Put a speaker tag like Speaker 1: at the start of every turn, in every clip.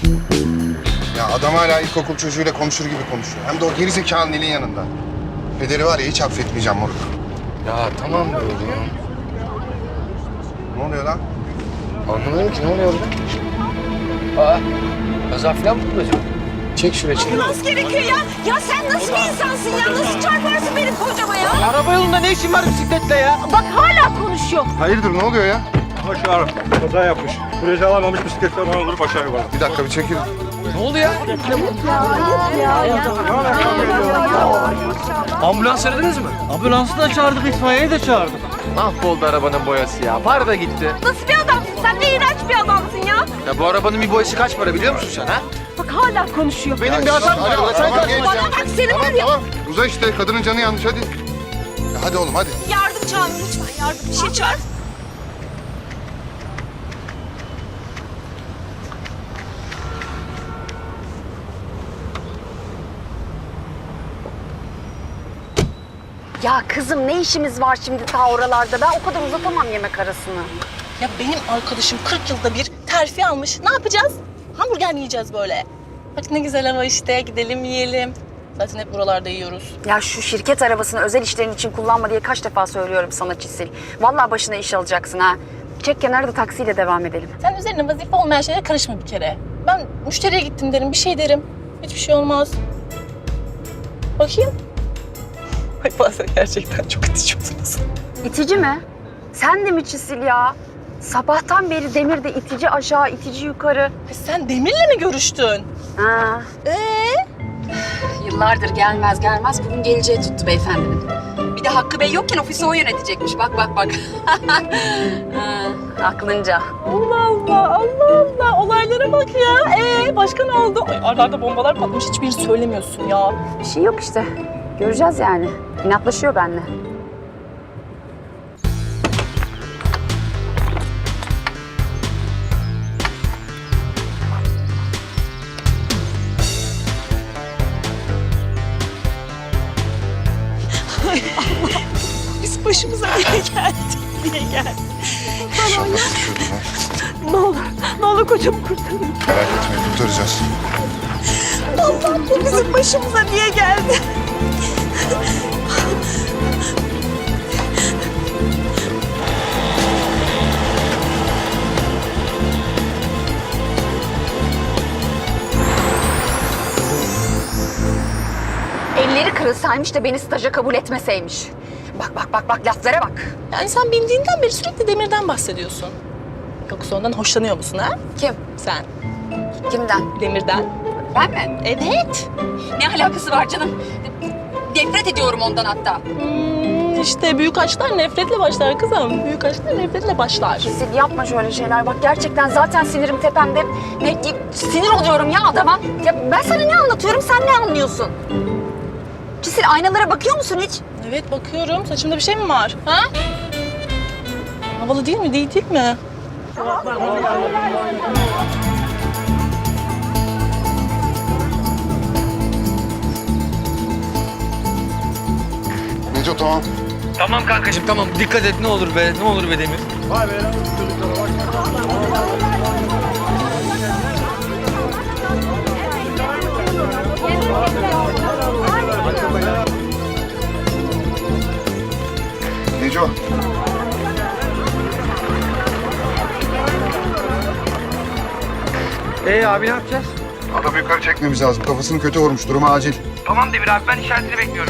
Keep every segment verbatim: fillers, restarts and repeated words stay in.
Speaker 1: Ya adam hala ilkokul çocuğuyla konuşur gibi konuşuyor. Hem de o gerizekalı Nil'in yanında. Pederi var ya hiç affetmeyeceğim moruk.
Speaker 2: Ya tamam be oğlum.
Speaker 1: Ne oluyor lan?
Speaker 2: Anlamadım ki ne oluyor orada? Aa, kaza falan mı bulacağım? Çek şuraya çek.
Speaker 3: Nasıl gerekiyor ya? Ya sen nasıl bir insansın ya? Nasıl çarparsın benim kocama ya?
Speaker 2: Araba yolunda ne işin var bisikletle ya?
Speaker 3: Bak hala konuşuyor.
Speaker 1: Hayırdır ne oluyor ya?
Speaker 4: Başar kaza yapmış. Süreci alamamış bisikletle bana olup aşağı yukarı.
Speaker 1: Bir dakika bir çekil.
Speaker 2: Ne oldu ya? Ambulans aradınız mı?
Speaker 5: Ambulansı da çağırdık, itfaiyeyi de çağırdık.
Speaker 2: Mahvoldu arabanın boyası ya. Para da gitti.
Speaker 3: Nasıl bir adamsın? Sen ne iğrenç bir adamsın ya.
Speaker 2: Ya bu arabanın bir boyası kaç para biliyor musun sen ha?
Speaker 3: Bak hala konuşuyor.
Speaker 2: Benim bir hatam var.
Speaker 1: Tamam,
Speaker 2: Sen
Speaker 1: tamam,
Speaker 2: kaç
Speaker 1: geç
Speaker 3: Bana
Speaker 1: ya.
Speaker 3: bak seni
Speaker 1: Tamam
Speaker 3: var ya.
Speaker 1: tamam. Uza işte kadının canı yanlış hadi. Ya hadi oğlum hadi.
Speaker 3: Yardım çağır lütfen yardım. Bir şey çağır.
Speaker 6: Ya kızım ne işimiz var şimdi ta oralarda? Ben o kadar uzatamam yemek arasını.
Speaker 7: Ya benim arkadaşım kırk yılda bir terfi almış. Ne yapacağız? Hamburger mi yiyeceğiz böyle? Bak ne güzel hava işte. Gidelim yiyelim. Zaten hep buralarda yiyoruz.
Speaker 6: Ya şu şirket arabasını özel işlerin için kullanma diye kaç defa söylüyorum sana Çisil. Vallahi başına iş alacaksın ha. Çek kenarda taksiyle devam edelim.
Speaker 7: Sen üzerine vazife olmayan şeylere karışma bir kere. Ben müşteriye gittim derim, bir şey derim. Hiçbir şey olmaz. Bakayım. Ay bazen gerçekten çok itiyorsunuz.
Speaker 6: İtici mi? Sen de mi Çisil ya? Sabahtan beri Demir'de itici aşağı, itici yukarı.
Speaker 7: Ay sen Demir'le mi görüştün?
Speaker 6: Ha.
Speaker 7: Ee?
Speaker 6: Yıllardır gelmez gelmez bugün geleceği tuttu beyefendinin. Bir de Hakkı Bey yokken ofisi o yönetecekmiş. Bak bak bak. Ha, aklınca.
Speaker 7: Allah Allah, Allah Allah. Olaylara bak ya. Ee, başka ne oldu? Ay arlarda bombalar patlamış. Hiçbirini söylemiyorsun ya.
Speaker 6: Bir şey yok işte. Göreceğiz yani. İnatlaşıyor benimle.
Speaker 7: Biz başımıza niye geldik? Niye geldik?
Speaker 1: İnşallah düşürdü lan.
Speaker 7: Ne olur, ne olur kocamı kurtarın.
Speaker 1: Merak etmeyin kurtaracağız.
Speaker 7: Allah bu bizim başımıza niye geldi?
Speaker 6: Elleri kırılsaymış da beni staja kabul etmeseymiş. Bak bak bak bak laflara bak.
Speaker 7: Yani sen bildiğinden beri sürekli Demir'den bahsediyorsun. Yoksa ondan hoşlanıyor musun ha?
Speaker 6: Kim?
Speaker 7: Sen.
Speaker 6: Kimden?
Speaker 7: Demir'den.
Speaker 6: Ben mi?
Speaker 7: Evet.
Speaker 6: Ne alakası var canım? Nefret ediyorum ondan hatta.
Speaker 7: Hmm, işte büyük aşklar nefretle başlar kızım. Büyük aşklar nefretle başlar.
Speaker 6: Sil yapma şöyle şeyler. Bak gerçekten zaten sinirim tepemde. Ne, sinir oluyorum ya adama. Ya ben sana ne anlatıyorum sen ne anlıyorsun? Cisil aynalara bakıyor musun hiç?
Speaker 7: Evet bakıyorum. Saçımda bir şey mi var? Ha? Havalı değil mi? Değil değil mi?
Speaker 1: Neco tamam.
Speaker 2: Tamam kankacığım tamam. Dikkat et ne olur be. Ne olur be Demir.
Speaker 4: Vay be çocuklara bak.
Speaker 1: Neco.
Speaker 2: Ee abi ne yapacağız?
Speaker 1: Adamı yukarı çekmemiz lazım. Kafasını kötü vurmuş. Durumu acil.
Speaker 2: Tamam Demir abi ben işaretini bekliyorum.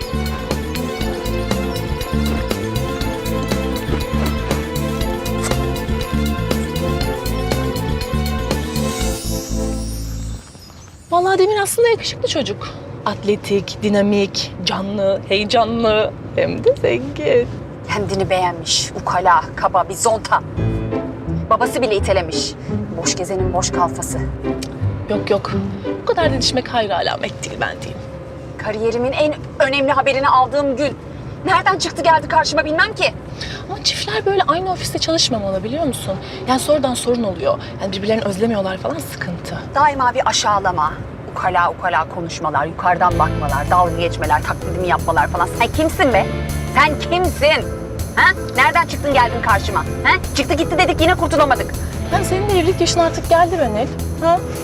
Speaker 7: Vallahi Demir aslında yakışıklı çocuk. Atletik, dinamik, canlı, heyecanlı hem de zengin.
Speaker 6: Kendini beğenmiş, ukala, kaba, bir zonta. Babası bile itelemiş. Boş gezenin boş kalfası.
Speaker 7: Yok yok. Bu kadar didişmek hayır alamet değil ben diyeyim.
Speaker 6: Kariyerimin en önemli haberini aldığım gün. Nereden çıktı geldi karşıma bilmem ki.
Speaker 7: Ama çiftler böyle aynı ofiste çalışmamalı biliyor musun? Yani sonradan sorun oluyor. Yani birbirlerini özlemiyorlar falan sıkıntı.
Speaker 6: Daima bir aşağılama, ukala ukala konuşmalar, yukarıdan bakmalar, dalga geçmeler, taklidimi yapmalar falan. Sen kimsin be? Sen kimsin? Ha? Nereden çıktın geldin karşıma? Ha? Çıktı gitti dedik yine kurtulamadık.
Speaker 7: Yani senin de evlilik yaşın artık geldi be Nil. Ha?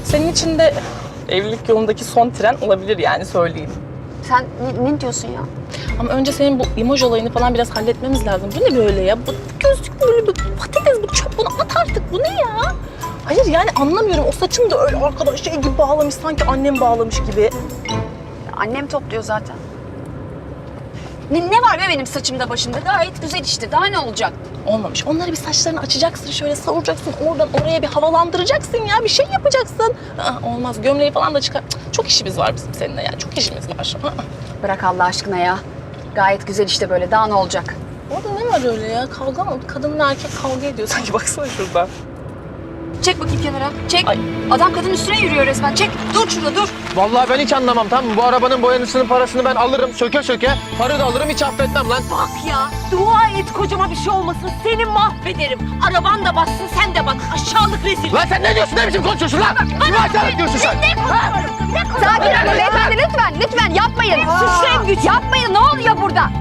Speaker 7: Senin için de evlilik yolundaki son tren olabilir yani söyleyeyim.
Speaker 6: Sen ne, ne diyorsun ya?
Speaker 7: Ama önce senin bu imaj olayını falan biraz halletmemiz lazım. Bu ne böyle ya? Bu gözlük böyle bir patates, bu çöp, bunu at artık. Bu ne ya? Hayır yani anlamıyorum. O saçını da öyle arkadaş şey gibi bağlamış, sanki annem bağlamış gibi.
Speaker 6: Annem topluyor zaten. Ne, ne var be benim saçımda başımda? Gayet güzel işte. Daha ne olacak?
Speaker 7: Olmamış. Onları bir saçlarını açacaksın, şöyle savuracaksın, oradan oraya bir havalandıracaksın ya. Bir şey yapacaksın. Aa, olmaz. Gömleği falan da çıkar. Cık, çok işimiz var bizim seninle ya. Çok işimiz var. Aa.
Speaker 6: Bırak Allah aşkına ya. Gayet güzel işte böyle. Daha ne olacak?
Speaker 7: Orada ne var öyle ya? Kavga mı? Kadınla erkek kavga ediyor sanki. Baksana şurada.
Speaker 6: Çek bakayım kenara. Çek.
Speaker 7: Ay.
Speaker 6: Adam kadın üstüne yürüyor resmen. Çek. Dur şurada dur.
Speaker 2: Vallahi ben hiç anlamam, tamam mı? Bu arabanın boyanısının parasını ben alırım söke söke. Para da alırım, hiç affetmem lan.
Speaker 3: Bak ya, dua et kocama bir şey olmasın. Seni mahvederim. Araban da bassın, sen de bak. Aşağılık rezil.
Speaker 2: Lan sen ne diyorsun, ne biçim konuşuyorsun lan? Kime hakaret diyorsun sen?
Speaker 3: Ne konuşuyorum? Ne konuşuyorum?
Speaker 6: Sakin olun beyefendi lütfen. Lütfen yapmayın.
Speaker 3: Suçlayın güç.
Speaker 6: Yapmayın. Ne oluyor burada?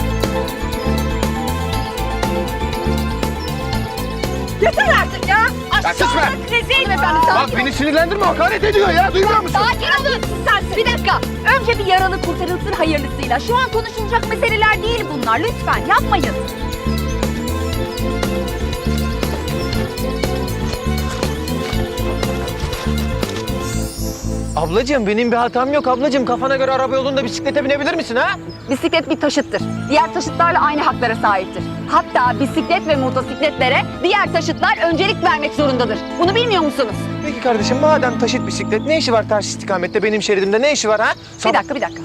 Speaker 3: Yeter artık ya.
Speaker 2: sus be.
Speaker 3: Aşağılık rezil.
Speaker 6: Efendim
Speaker 2: Bak
Speaker 6: sakin
Speaker 2: beni sinirlendirme, hakaret ediyor ya, duymuyor musun?
Speaker 6: Sakin olun. Sen bir dakika. Önce bir yaralı kurtarılsın hayırlısıyla. Şu an konuşulacak meseleler değil bunlar. Lütfen yapmayın.
Speaker 2: Ablacığım benim bir hatam yok ablacığım. Kafana göre araba yolunda bisiklete binebilir misin ha?
Speaker 6: Bisiklet bir taşıttır. Diğer taşıtlarla aynı haklara sahiptir. Hatta bisiklet ve motosikletlere diğer taşıtlar öncelik vermek zorundadır. Bunu bilmiyor musunuz?
Speaker 2: Peki kardeşim, madem taşıt bisiklet, ne işi var ters istikamette benim şeridimde, ne işi var ha?
Speaker 6: Bir dakika, bir dakika.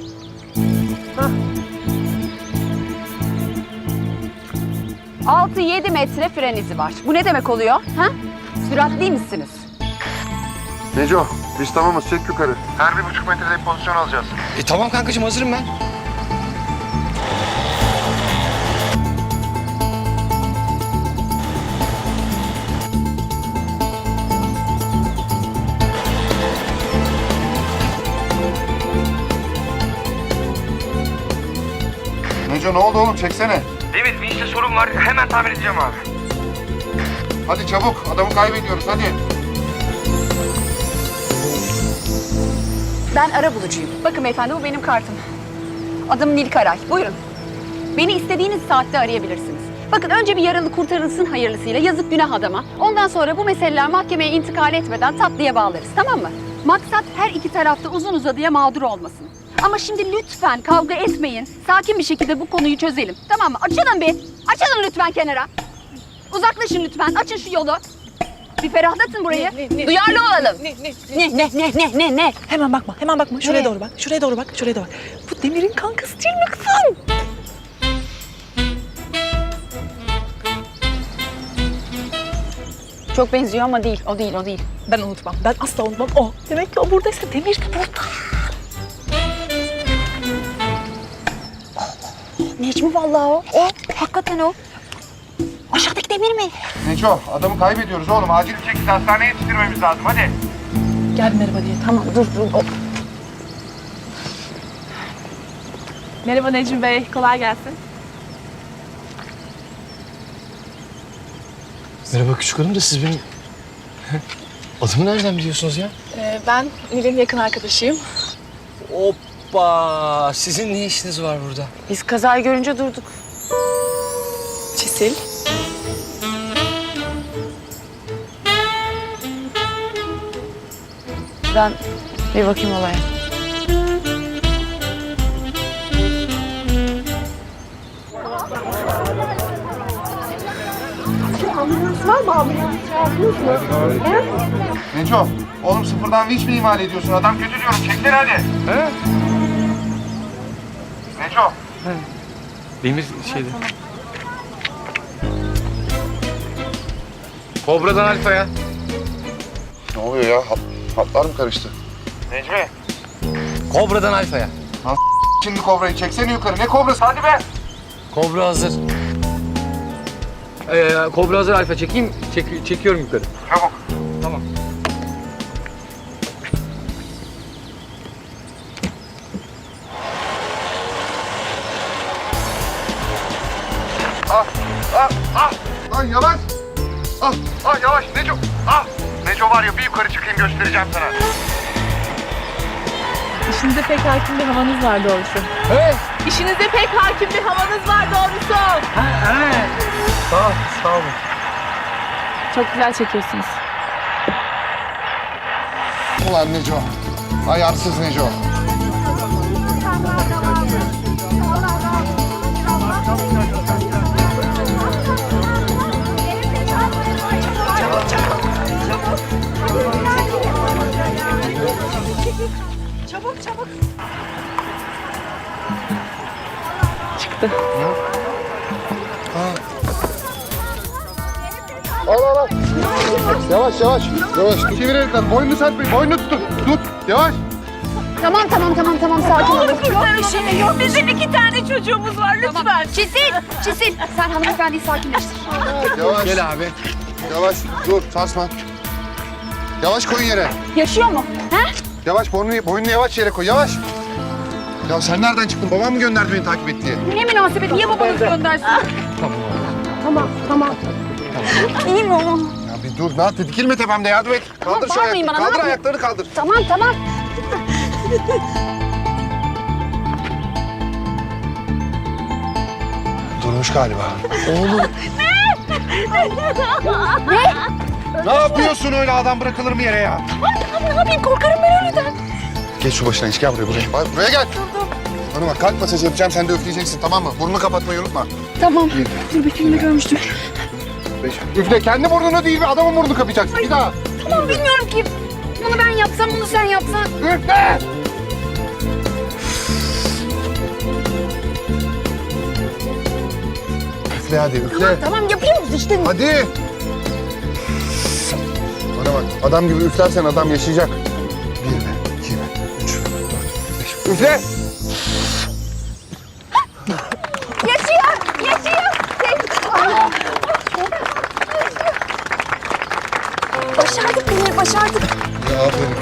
Speaker 6: Altı yedi metre fren izi var. Bu ne demek oluyor? Ha? Süratli misiniz?
Speaker 1: Neco, biz tamamız. Çek yukarı. Her bir buçuk metrede bir pozisyon alacağız.
Speaker 2: E tamam kankacığım, hazırım ben.
Speaker 1: Neco ne oldu oğlum? Çeksene.
Speaker 4: Evet, bir işte sorun var. Hemen tamir edeceğim abi.
Speaker 1: Hadi çabuk. Adamı kaybediyoruz. Hadi.
Speaker 6: Ben ara bulucuyum. Bakın beyefendi bu benim kartım. Adım Nil Karay. Buyurun. Beni istediğiniz saatte arayabilirsiniz. Bakın önce bir yaralı kurtarılsın hayırlısıyla. Yazık günah adama. Ondan sonra bu meseleler mahkemeye intikal etmeden tatlıya bağlarız. Tamam mı? Maksat her iki tarafta uzun uzadıya mağdur olmasın. Ama şimdi lütfen kavga etmeyin. Sakin bir şekilde bu konuyu çözelim. Tamam mı? Açılın bir. Açılın lütfen kenara. Uzaklaşın lütfen. Açın şu yolu. Bir ferahlatın burayı.
Speaker 7: Ne, ne, ne?
Speaker 6: Duyarlı olalım.
Speaker 7: Ne, ne,
Speaker 6: Ne ne ne ne ne ne?
Speaker 7: Hemen bakma, hemen bakma. Şuraya
Speaker 6: Nereye?
Speaker 7: doğru bak, şuraya doğru bak, şuraya doğru bak. Bu Demir'in kankası değil mi kızım?
Speaker 6: Çok benziyor ama değil. O değil, o değil.
Speaker 7: Ben unutmam, ben asla unutmam. O. Demek ki o buradaysa Demir de burada.
Speaker 6: Necmi vallahi o. O. Hakikaten o. Aşağıdaki Demir mi?
Speaker 1: Neco, adamı kaybediyoruz oğlum. Acil bir şekilde hastaneye yetiştirmemiz lazım. Hadi.
Speaker 7: Gel merhaba diye.
Speaker 6: Tamam dur dur. O.
Speaker 7: Merhaba Necmi Bey, kolay gelsin.
Speaker 2: Merhaba küçük hanım da siz benim... Adımı nereden biliyorsunuz ya?
Speaker 7: Ee, ben Nil'in yakın arkadaşıyım.
Speaker 2: Hoppa! Sizin ne işiniz var burada?
Speaker 6: Biz kazayı görünce durduk.
Speaker 7: Çisil.
Speaker 6: Ben bir bakayım olaya.
Speaker 1: Neco, oğlum sıfırdan vinç mi imal ediyorsun? Adam kötü diyorum. Çektir hadi.
Speaker 2: He?
Speaker 1: Neco.
Speaker 2: Demir şeydi. Kobra'dan Alfa'ya.
Speaker 1: Ne oluyor ya? Hat, hatlar mı karıştı?
Speaker 4: Necmi.
Speaker 2: Kobra'dan Alfa'ya.
Speaker 1: Şimdi kobrayı çeksene yukarı. Ne kobrası? Hadi be.
Speaker 2: Kobra hazır. Ee, Kobra hazır Alfa, çekeyim. Çek, çekiyorum yukarı.
Speaker 1: Çabuk.
Speaker 2: Tamam.
Speaker 1: Ah, ah, ah. Lan yavaş. Ah, ah yavaş. Neco. Ah. Neco. Neco var ya bir yukarı çıkayım göstereceğim sana.
Speaker 7: İşinize pek hakim bir havanız var doğrusu.
Speaker 2: Evet.
Speaker 7: İşinize pek hakim bir havanız var doğrusu.
Speaker 2: Sağ ol, sağ olun.
Speaker 7: Çok güzel çekiyorsunuz.
Speaker 1: Ulan Neco. Ayarsız Neco.
Speaker 7: Çıktı.
Speaker 1: Al al al. Yavaş yavaş. Yavaş. Çevir elinden. Boynunu serpmeyin. Boynunu tutun. Tut. Yavaş.
Speaker 6: Tamam tamam tamam tamam sakin olun.
Speaker 3: Kurtarın şunu. Bizim iki tane çocuğumuz var lütfen.
Speaker 6: Çisil, Çisil. Sen hanımefendiyi sakinleştir.
Speaker 1: Yavaş.
Speaker 2: Gel abi.
Speaker 1: Yavaş. Dur. Sarsma. Yavaş koyun yere.
Speaker 6: Yaşıyor mu? He?
Speaker 1: Yavaş. Boynunu, boynunu yavaş yere koy. Yavaş. Ya sen nereden çıktın? Babam mı gönderdi beni takip et diye?
Speaker 6: Ne münasebet, niye babanız göndersin? Tamam, tamam. İyi mi oğlum?
Speaker 1: Ya bir dur. Ne yaptı? Dikilme tepemde. Yardım et. Kaldır şu
Speaker 6: bağırmayın
Speaker 1: ayakları.
Speaker 6: bana, ne
Speaker 1: Kaldır
Speaker 6: yapayım?
Speaker 1: ayaklarını kaldır.
Speaker 6: Tamam, tamam.
Speaker 1: Durmuş galiba.
Speaker 2: Oğlum.
Speaker 1: Ne yapıyorsun öyle adam bırakılır mı yere ya?
Speaker 6: Ne yapayım, korkarım ben öyleden.
Speaker 1: Geç şu başına hiç gel buraya buraya. Bak, buraya gel. Bana bak kalp masajı yapacağım sen de üfleyeceksin tamam mı? Burnunu kapatmayı unutma.
Speaker 6: Tamam, dur bir filmde görmüştüm.
Speaker 1: Beş. Üfle kendi burnunu değil mi? Adamın burnunu kapayacaksın. Bir daha.
Speaker 6: Tamam, bilmiyorum ki. Bunu ben yapsam, bunu sen yapsan.
Speaker 1: Üfle. Üfle hadi üfle.
Speaker 6: Tamam, yapıyoruz işte.
Speaker 1: Hadi. Bana bak adam gibi üflersen adam yaşayacak. Bir mi? İki mi? Üç mü? Dört, beş. Üfle.
Speaker 6: Yaşıyor, yaşıyor. Başardık Demir, başardık.
Speaker 1: Ya aferin.